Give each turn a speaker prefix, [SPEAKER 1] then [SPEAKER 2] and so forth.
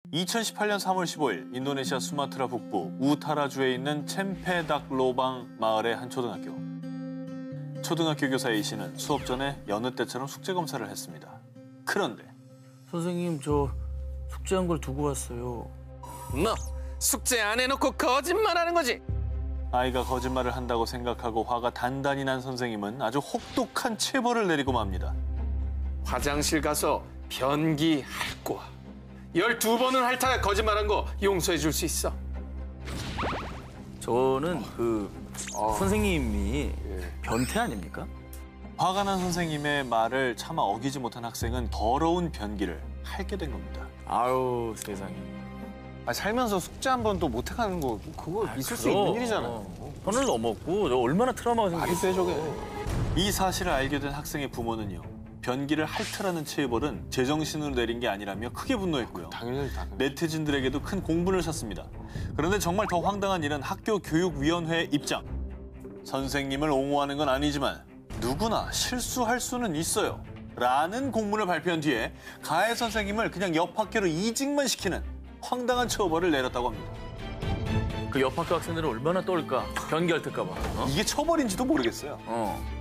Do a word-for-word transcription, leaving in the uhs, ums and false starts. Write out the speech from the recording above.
[SPEAKER 1] 이천십팔 년 삼월 십오일 인도네시아 수마트라 북부 우타라주에 있는 쳔페닥로방 마을의 한 초등학교. 초등학교 교사 A 씨는 수업 전에 여느 때처럼 숙제 검사를 했습니다. 그런데
[SPEAKER 2] 선생님, 저 숙제한 걸 두고 왔어요.
[SPEAKER 3] 너 숙제 안 해놓고 거짓말하는 거지?
[SPEAKER 1] 아이가 거짓말을 한다고 생각하고 화가 단단히 난 선생님은 아주 혹독한 체벌을 내리고 맙니다.
[SPEAKER 3] 화장실 가서 변기 핥고 와. 열두 번은 핥아야 거짓말한 거 용서해 줄 수 있어.
[SPEAKER 2] 저는 그
[SPEAKER 3] 어.
[SPEAKER 2] 선생님이 변태 아닙니까?
[SPEAKER 1] 화가 난 선생님의 말을 차마 어기지 못한 학생은 더러운 변기를 핥게 된 겁니다.
[SPEAKER 2] 아유, 세상에.
[SPEAKER 4] 아, 살면서 숙제 한 번도 못 해가는 거 그거
[SPEAKER 2] 아,
[SPEAKER 4] 있을 수
[SPEAKER 2] 그럼.
[SPEAKER 4] 있는 일이잖아요.
[SPEAKER 2] 선을 넘었고 저 얼마나 트라우마가
[SPEAKER 4] 말이 돼
[SPEAKER 2] 생겼어.
[SPEAKER 4] 저게.
[SPEAKER 1] 이 사실을 알게 된 학생의 부모는요. 변기를 핥으라는 체벌은 제정신으로 내린 게 아니라며 크게 분노했고요.
[SPEAKER 4] 당연히 당연히.
[SPEAKER 1] 네티즌들에게도 큰 공분을 샀습니다. 그런데 정말 더 황당한 일은 학교 교육위원회의 입장. 선생님을 옹호하는 건 아니지만 누구나 실수할 수는 있어요. 라는 공문을 발표한 뒤에 가해 선생님을 그냥 옆 학교로 이직만 시키는 황당한 처벌을 내렸다고 합니다.
[SPEAKER 2] 그 옆 학교 학생들은 얼마나 떨까? 변기 핥을까 봐. 어?
[SPEAKER 1] 이게 처벌인지도 모르겠어요.
[SPEAKER 2] 어.